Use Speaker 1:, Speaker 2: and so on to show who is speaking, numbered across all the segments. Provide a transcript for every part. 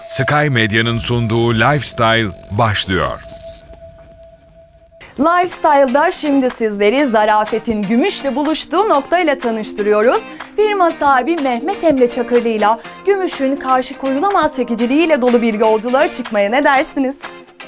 Speaker 1: Sky Medya'nın sunduğu Lifestyle başlıyor.
Speaker 2: Lifestyle'da şimdi sizleri zarafetin gümüşle buluştuğu noktayla tanıştırıyoruz. Firma sahibi Mehmet Emre Çakırlı'yla gümüşün karşı koyulamaz çekiciliğiyle dolu bir yolculuğa çıkmaya ne dersiniz?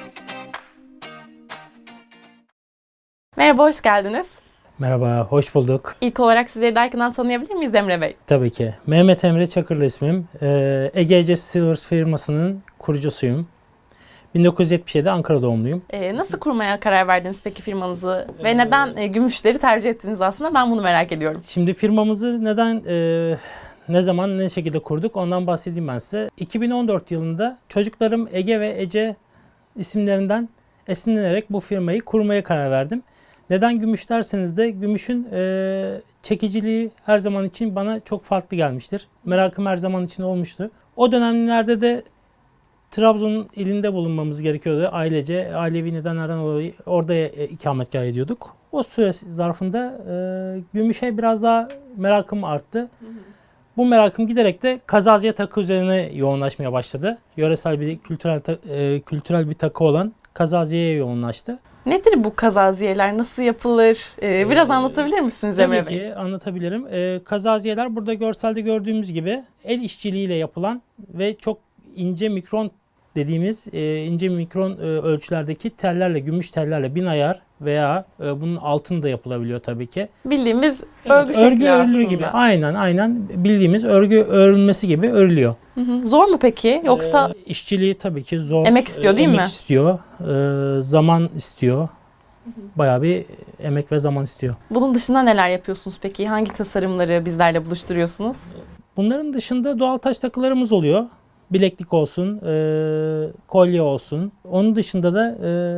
Speaker 3: Merhaba, hoş geldiniz.
Speaker 4: Merhaba, hoş bulduk.
Speaker 3: İlk olarak sizleri daha yakından tanıyabilir miyiz Emre Bey?
Speaker 4: Tabii ki. Mehmet Emre Çakırlı ismim. Ege Silvers firmasının kurucusuyum. 1977 Ankara doğumluyum.
Speaker 3: Nasıl kurmaya karar verdiniz peki firmanızı ve neden gümüşleri tercih ettiniz aslında? Ben bunu merak ediyorum.
Speaker 4: Şimdi firmamızı neden, ne zaman, ne şekilde kurduk ondan bahsedeyim ben size. 2014 yılında çocuklarım Ege ve Ece isimlerinden esinlenerek bu firmayı kurmaya karar verdim. Neden gümüş derseniz de gümüşün çekiciliği her zaman için bana çok farklı gelmiştir. Merakım her zaman için olmuştu. O dönemlerde de Trabzon ilinde bulunmamız gerekiyordu. Ailece, ailevi nedenlerden dolayı orada ikametgah ediyorduk. O süre zarfında gümüşe biraz daha merakım arttı. Bu merakım giderek de kazaziye takı üzerine yoğunlaşmaya başladı. Yöresel bir kültürel bir takı olan kazaziyeye yoğunlaştı.
Speaker 3: Nedir bu kazaziyeler? Nasıl yapılır? Biraz anlatabilir misiniz Emre Bey?
Speaker 4: Tabii ki anlatabilirim. Kazaziyeler burada görselde gördüğümüz gibi el işçiliğiyle yapılan ve çok ince mikron dediğimiz ince mikron ölçülerdeki tellerle, gümüş tellerle bin ayar veya bunun altında yapılabiliyor tabii ki.
Speaker 3: Bildiğimiz
Speaker 4: Evet,
Speaker 3: örgü şekli
Speaker 4: örülür
Speaker 3: aslında.
Speaker 4: gibi. Aynen bildiğimiz örgü örülmesi gibi örülüyor.
Speaker 3: Zor mu peki? Yoksa
Speaker 4: İşçiliği tabii ki zor.
Speaker 3: Emek istiyor değil mi?
Speaker 4: Emek istiyor, zaman istiyor. Bayağı bir emek ve zaman istiyor.
Speaker 3: bunun dışında neler yapıyorsunuz peki? Hangi tasarımları bizlerle buluşturuyorsunuz?
Speaker 4: Bunların dışında doğal taş takılarımız oluyor. Bileklik olsun, kolye olsun. Onun dışında da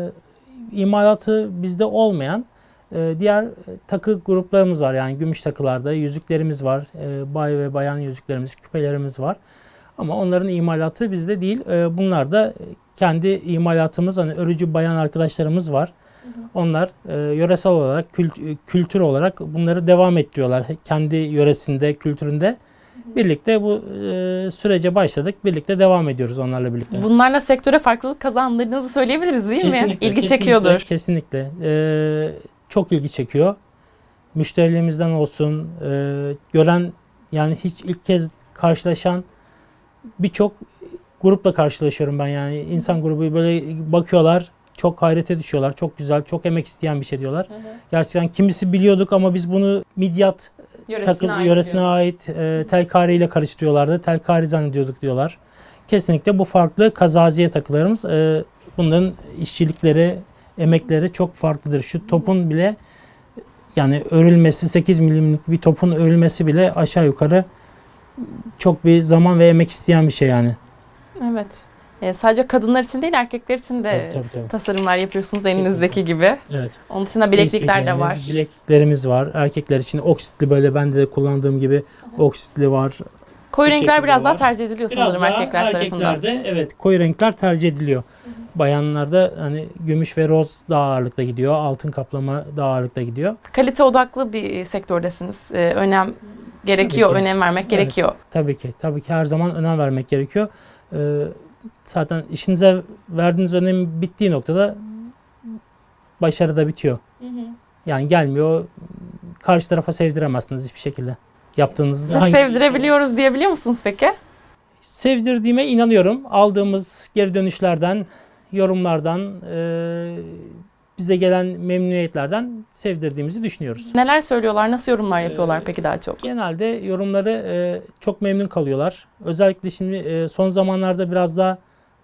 Speaker 4: imalatı bizde olmayan diğer takı gruplarımız var. Yani gümüş takılarda yüzüklerimiz var. Bay ve bayan yüzüklerimiz, küpelerimiz var. Ama onların imalatı bizde değil. Bunlar da kendi imalatımız, hani örücü bayan arkadaşlarımız var. Onlar yöresel olarak, kültür olarak bunları devam ettiriyorlar. Kendi yöresinde, kültüründe. Birlikte bu sürece başladık. Birlikte devam ediyoruz onlarla birlikte.
Speaker 3: Bunlarla sektöre farklılık kazandırdığınızı söyleyebiliriz değil mi? İlgi çekiyordur.
Speaker 4: Kesinlikle. Çok ilgi çekiyor. Müşterilerimizden olsun, gören, yani hiç ilk kez karşılaşan birçok grupla karşılaşıyorum ben, yani insan grubu böyle bakıyorlar, çok hayrete düşüyorlar. Çok güzel, çok emek isteyen bir şey diyorlar. Gerçekten kimisi biliyorduk ama biz bunu midyat yöresine ait telkari ile karıştırıyorlardı. Telkari zannediyorduk diyorlar. Kesinlikle bu farklı kazaziye takılarımız. Bunların işçilikleri, emekleri çok farklıdır. Şu topun bile, yani örülmesi, 8 milimlik bir topun örülmesi bile aşağı yukarı çok bir zaman ve emek isteyen bir şey yani.
Speaker 3: Evet. Sadece kadınlar için değil, erkekler için de
Speaker 4: Tabii.
Speaker 3: tasarımlar yapıyorsunuz elinizdeki gibi.
Speaker 4: Evet.
Speaker 3: Onun dışında bileklikler de var.
Speaker 4: Bilekliklerimiz var. Erkekler için oksitli, böyle ben de kullandığım gibi oksitli var.
Speaker 3: Koyu
Speaker 4: Bu
Speaker 3: renkler
Speaker 4: şekilde
Speaker 3: biraz daha
Speaker 4: var.
Speaker 3: tercih ediliyor sanırım erkekler tarafından.
Speaker 4: Erkeklerde evet, koyu renkler tercih ediliyor. Bayanlarda hani gümüş ve roz daha ağırlıkta gidiyor. Altın kaplama daha ağırlıkta gidiyor.
Speaker 3: Kalite odaklı bir sektördesiniz. Önem gerekiyor,
Speaker 4: Tabii ki.
Speaker 3: önem vermek gerekiyor.
Speaker 4: Tabii ki her zaman önem vermek gerekiyor. Zaten işinize verdiğiniz önem bittiği noktada başarı da bitiyor. Yani gelmiyor, karşı tarafa sevdiremezsiniz hiçbir şekilde. Yaptığınızda
Speaker 3: Siz sevdirebiliyoruz diyebiliyor musunuz peki?
Speaker 4: sevdirdiğime inanıyorum. Aldığımız geri dönüşlerden, yorumlardan, bize gelen memnuniyetlerden sevdirdiğimizi düşünüyoruz.
Speaker 3: Neler söylüyorlar, nasıl yorumlar yapıyorlar peki daha çok?
Speaker 4: Genelde yorumları çok memnun kalıyorlar. Özellikle şimdi son zamanlarda biraz daha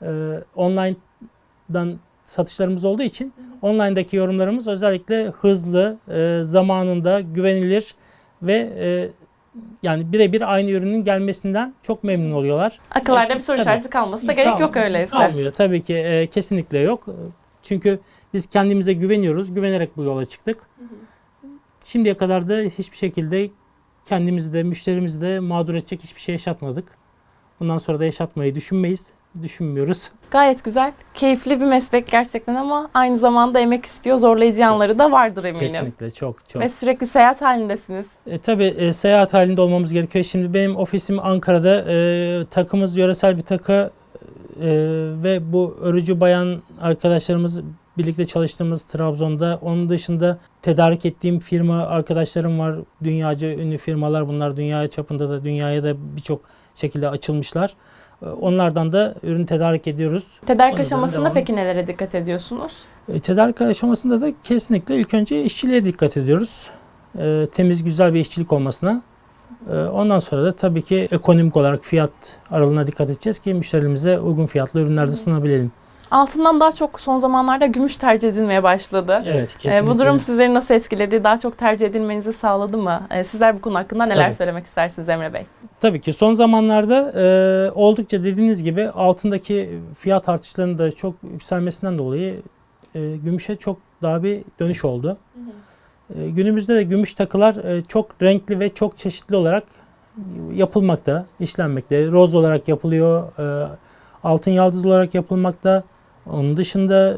Speaker 4: online'dan satışlarımız olduğu için online'daki yorumlarımız özellikle hızlı, zamanında, güvenilir ve yani birebir aynı ürünün gelmesinden çok memnun oluyorlar.
Speaker 3: Akıllarda bir soru
Speaker 4: Tabii.
Speaker 3: işareti kalması da gerek yok öyleyse.
Speaker 4: Kalmıyor tabii ki, kesinlikle yok. Çünkü biz kendimize güveniyoruz. Güvenerek bu yola çıktık. Şimdiye kadar da hiçbir şekilde kendimizi de müşterimizi de mağdur edecek hiçbir şey yaşatmadık. Bundan sonra da yaşatmayı düşünmüyoruz.
Speaker 3: Gayet güzel, keyifli bir meslek gerçekten ama aynı zamanda emek istiyor, zorlayıcı yanları da vardır eminim.
Speaker 4: Kesinlikle çok.
Speaker 3: Ve sürekli seyahat halindesiniz.
Speaker 4: Tabii seyahat halinde olmamız gerekiyor. Şimdi benim ofisim Ankara'da. Takımız yöresel bir takı ve bu örücü bayan arkadaşlarımız, birlikte çalıştığımız Trabzon'da. Onun dışında tedarik ettiğim firma arkadaşlarım var. Dünyaca ünlü firmalar bunlar. Dünya çapında da, dünyaya da birçok şekilde açılmışlar. Onlardan da ürün tedarik ediyoruz.
Speaker 3: Tedarik
Speaker 4: Onun üzerine
Speaker 3: aşamasında
Speaker 4: devam.
Speaker 3: peki nelere dikkat ediyorsunuz?
Speaker 4: Tedarik aşamasında da kesinlikle ilk önce işçiliğe dikkat ediyoruz. Temiz, güzel bir işçilik olmasına. Ondan sonra da tabii ki ekonomik olarak fiyat aralığına dikkat edeceğiz ki müşterilerimize uygun fiyatlı ürünler de sunabilelim.
Speaker 3: Altından daha çok son zamanlarda gümüş tercih edilmeye başladı.
Speaker 4: Evet, kesinlikle.
Speaker 3: Bu durum sizleri nasıl etkiledi? Daha çok tercih edilmenizi sağladı mı? Sizler bu konu hakkında neler
Speaker 4: Tabii.
Speaker 3: söylemek istersiniz Emre Bey?
Speaker 4: Tabii ki son zamanlarda oldukça dediğiniz gibi altındaki fiyat artışlarının da çok yükselmesinden dolayı gümüşe çok daha bir dönüş oldu. Günümüzde de gümüş takılar çok renkli ve çok çeşitli olarak yapılmakta, işlenmekte. Roz olarak yapılıyor, altın yaldız olarak yapılmakta. Onun dışında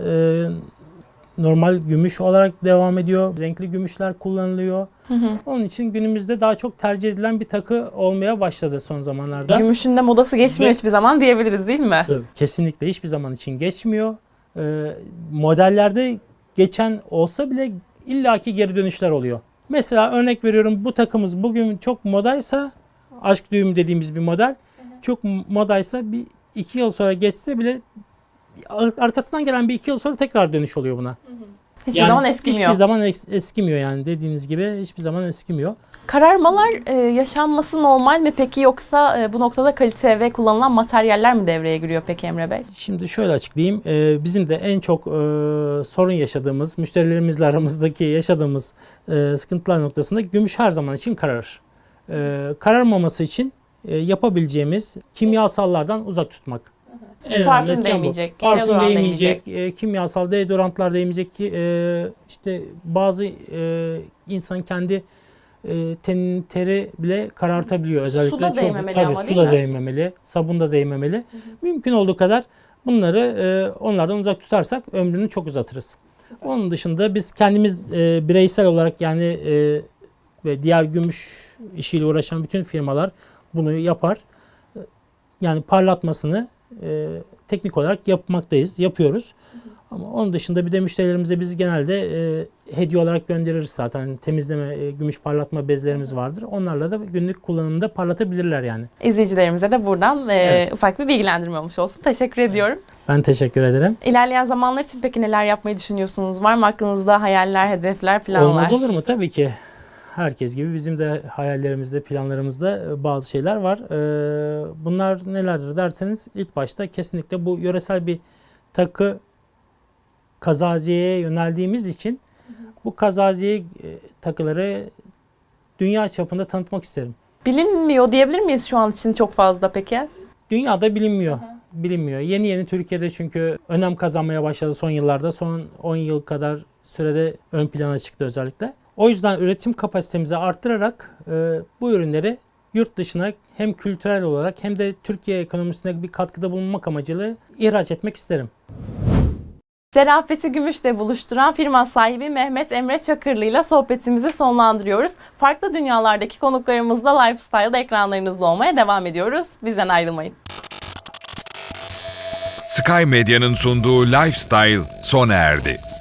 Speaker 4: normal gümüş olarak devam ediyor. Renkli gümüşler kullanılıyor. Onun için günümüzde daha çok tercih edilen bir takı olmaya başladı son zamanlarda.
Speaker 3: Gümüşün de modası geçmiyor
Speaker 4: Ve-
Speaker 3: hiçbir zaman diyebiliriz değil mi?
Speaker 4: Tabii, kesinlikle hiçbir zaman için geçmiyor. Modellerde geçen olsa bile illaki geri dönüşler oluyor. Mesela örnek veriyorum, bu takımız bugün çok modaysa, aşk düğüm dediğimiz bir model, çok modaysa bir 2 yıl sonra geçse bile arkasından gelen bir 2 yıl sonra tekrar dönüş oluyor buna.
Speaker 3: Hiçbir zaman eskimiyor.
Speaker 4: Hiçbir zaman eskimiyor yani, dediğiniz gibi hiçbir zaman eskimiyor.
Speaker 3: Kararmalar yaşanması normal mi peki, yoksa bu noktada kalite ve kullanılan materyaller mi devreye giriyor peki Emre Bey?
Speaker 4: Şimdi şöyle açıklayayım. Bizim de en çok sorun yaşadığımız, müşterilerimizle aramızdaki yaşadığımız sıkıntılar noktasında gümüş her zaman için kararır. Kararmaması için yapabileceğimiz kimyasallardan uzak tutmak. En
Speaker 3: Parfüm
Speaker 4: önemli etken bu.
Speaker 3: değmeyecek,
Speaker 4: Parfüm
Speaker 3: deodorant
Speaker 4: değmeyecek, kimyasal deodorantlar değmeyecek ki işte bazı insan kendi tenin teri bile karartabiliyor. Özellikle
Speaker 3: Suda
Speaker 4: çok,
Speaker 3: değmemeli
Speaker 4: tabii,
Speaker 3: ama değil
Speaker 4: suda
Speaker 3: mi?
Speaker 4: değmemeli, sabunda değmemeli. Mümkün olduğu kadar bunları onlardan uzak tutarsak ömrünü çok uzatırız. Onun dışında biz kendimiz bireysel olarak yani ve diğer gümüş işiyle uğraşan bütün firmalar bunu yapar. Yani parlatmasını teknik olarak yapıyoruz. Ama onun dışında bir de müşterilerimize biz genelde hediye olarak göndeririz zaten. Temizleme, gümüş parlatma bezlerimiz vardır. Onlarla da günlük kullanımda parlatabilirler yani.
Speaker 3: İzleyicilerimize de buradan
Speaker 4: Evet.
Speaker 3: ufak bir bilgilendirme olmuş olsun. Teşekkür ediyorum.
Speaker 4: Ben teşekkür ederim.
Speaker 3: İlerleyen zamanlar için peki neler yapmayı düşünüyorsunuz? Var mı aklınızda hayaller, hedefler, planlar?
Speaker 4: Olmaz olur mu? Tabii ki. Herkes gibi bizim de hayallerimizde, planlarımızda bazı şeyler var. Bunlar nelerdir derseniz, ilk başta kesinlikle bu yöresel bir takı kazaziyeye yöneldiğimiz için bu kazaziye takıları dünya çapında tanıtmak isterim.
Speaker 3: Bilinmiyor diyebilir miyiz şu an için çok fazla peki?
Speaker 4: Dünyada bilinmiyor. Bilinmiyor. Yeni yeni Türkiye'de çünkü önem kazanmaya başladı son yıllarda. Son 10 yıl kadar sürede ön plana çıktı özellikle. O yüzden üretim kapasitemizi arttırarak bu ürünleri yurt dışına hem kültürel olarak hem de Türkiye ekonomisine bir katkıda bulunmak amacıyla ihraç etmek isterim.
Speaker 3: Zarafeti gümüşle buluşturan firma sahibi Mehmet Emre Çakırlı ile sohbetimizi sonlandırıyoruz. Farklı dünyalardaki konuklarımızla Lifestyle'da ekranlarınızda olmaya devam ediyoruz. Bizden ayrılmayın.
Speaker 1: Sky Medya'nın sunduğu Lifestyle sona erdi.